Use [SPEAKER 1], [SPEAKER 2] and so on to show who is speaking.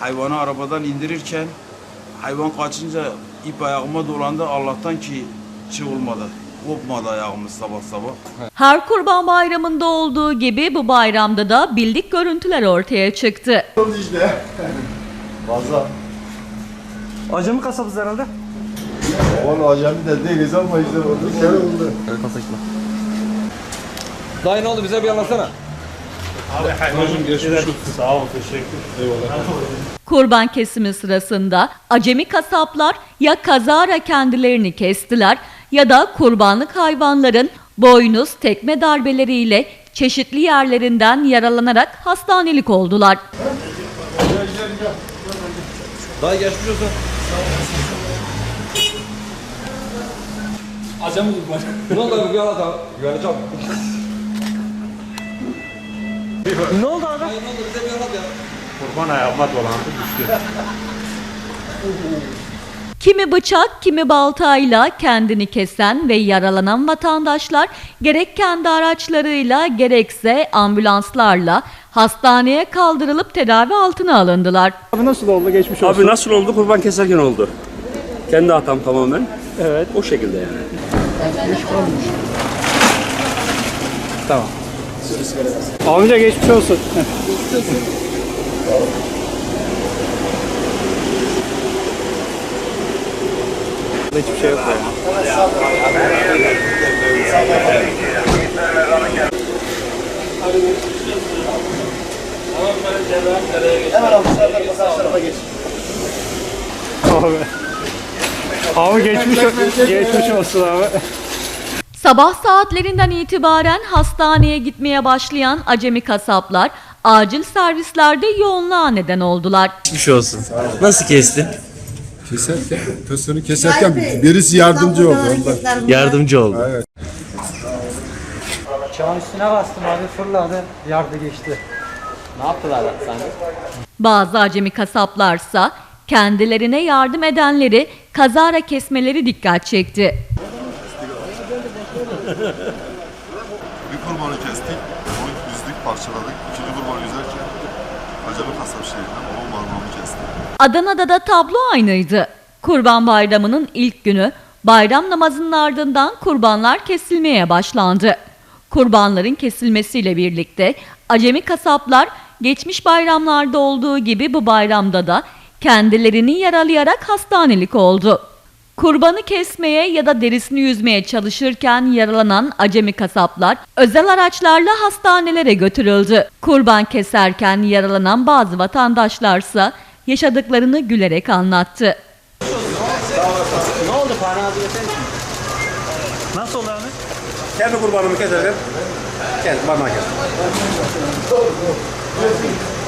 [SPEAKER 1] hayvanı arabadan indirirken hayvan kaçınca ip ayağıma dolandı. Allah'tan ki şey olmadı. Kopmadı ayağımız sabah sabah.
[SPEAKER 2] Her Kurban Bayramı'nda olduğu gibi bu bayramda da bildik görüntüler ortaya çıktı.
[SPEAKER 3] İşte. Fazla.
[SPEAKER 4] Acemi kasabız herhalde.
[SPEAKER 3] Onu acemi de değiliz ama işte oldu. Şey oldu.
[SPEAKER 4] Dayı ne oldu bize bir anlatsana.
[SPEAKER 5] Sağ ol, teşekkür. Eyvallah.
[SPEAKER 2] Kurban kesimi sırasında acemi kasaplar ya kazara kendilerini kestiler ya da kurbanlık hayvanların boynuz, tekme darbeleriyle çeşitli yerlerinden yaralanarak hastanelik oldular.
[SPEAKER 4] Dayı geçmiş olsun.
[SPEAKER 5] Acemi kurban.
[SPEAKER 4] Ne oldu bir anlat abi. Güveneceğim. Ne oldu abi? Dayı ne oldu bize bir anlat ya.
[SPEAKER 5] Kurban ayağıma dolandı düştü.
[SPEAKER 2] Kimi bıçak, kimi baltayla kendini kesen ve yaralanan vatandaşlar gerek kendi araçlarıyla gerekse ambulanslarla hastaneye kaldırılıp tedavi altına alındılar.
[SPEAKER 4] Abi nasıl oldu geçmiş olsun.
[SPEAKER 6] Abi nasıl oldu? Kurban keserken oldu. Kendi hatam tamamen.
[SPEAKER 4] Evet.
[SPEAKER 6] O şekilde yani.
[SPEAKER 4] Tamam. Amca geçmiş olsun. Hiçbir şey yok yani.
[SPEAKER 3] Hemen almışlar arkadaşlarıma geç.
[SPEAKER 4] Abi geçmiş olsun abi.
[SPEAKER 2] Sabah saatlerinden itibaren hastaneye gitmeye başlayan acemi kasaplar acil servislerde yoğunluğa neden oldular.
[SPEAKER 7] Geçmiş olsun. Nasıl kestin?
[SPEAKER 8] Keserken, tostunu keserken birisi yardımcı oldu ondan.
[SPEAKER 7] Yardımcı oldu.
[SPEAKER 8] Evet.
[SPEAKER 9] Çağın üstüne bastım abi, fırladı, yardı geçti.
[SPEAKER 7] Ne yaptılar sen?
[SPEAKER 2] Bazı acemi kasaplarsa kendilerine yardım edenleri kazara kesmeleri dikkat çekti.
[SPEAKER 3] Bir kurbanı kestik, onu düzdük, parçaladık. İkinci kurbanı üzerken acemi kasap şehrinden onun parmağını kestik.
[SPEAKER 2] Adana'da da tablo aynıydı. Kurban Bayramı'nın ilk günü bayram namazının ardından kurbanlar kesilmeye başlandı. Kurbanların kesilmesiyle birlikte acemi kasaplar geçmiş bayramlarda olduğu gibi bu bayramda da kendilerini yaralayarak hastanelik oldu. Kurbanı kesmeye ya da derisini yüzmeye çalışırken yaralanan acemi kasaplar özel araçlarla hastanelere götürüldü. Kurban keserken yaralanan bazı vatandaşlarsa yaşadıklarını gülerek anlattı.
[SPEAKER 4] Ne oldu Fahri abi desene. Nasıl oldu abi?
[SPEAKER 6] Kendi kurbanımı keserken kendi parmağı kestim.